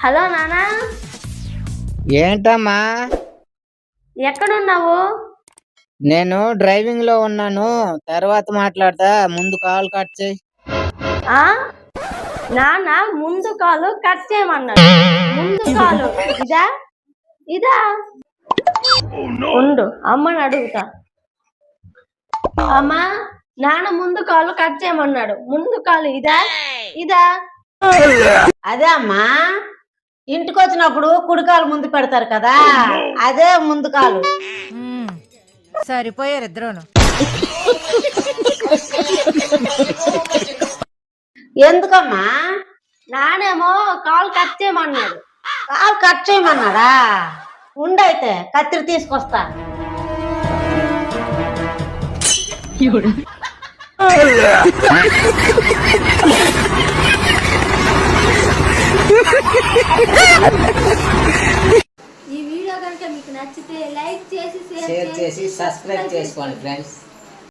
Hello నానా, ఏంటమ్మా? ఎక్కడున్నావు? నేను డ్రైవింగ్ లో ఉన్నాను, తర్వాత మాట్లాడతా. ముందు కాల్ కట్ చేయి. ఆ నాన్న ముందు కాలు కట్ చేయమన్నాడు. ముందు కాలు ఇదా ఇదా? ఉండు, అమ్మని అడుగుతా. అమ్మా, నాన్న ముందు కాలు కట్ చేయమన్నాడు. ముందు కాలు ఇదా ఇదా? అదే అమ్మా, ఇంటికి వచ్చినప్పుడు కుడికాలు ముందు పెడతారు కదా, అదే ముందు కాలు. సరిపోయారు ఇద్దరును. ఎందుకమ్మా? నానేమో కాలు కట్ చేయమన్నాడు. కాలు కట్ చేయమన్నాడా? ఉండైతే కత్తిరి తీసుకొస్తా. ఈ వీడియో కనుక మీకు నచ్చితే లైక్ చేసి షేర్ చేసి సబ్స్క్రైబ్ చేసుకోండి ఫ్రెండ్స్.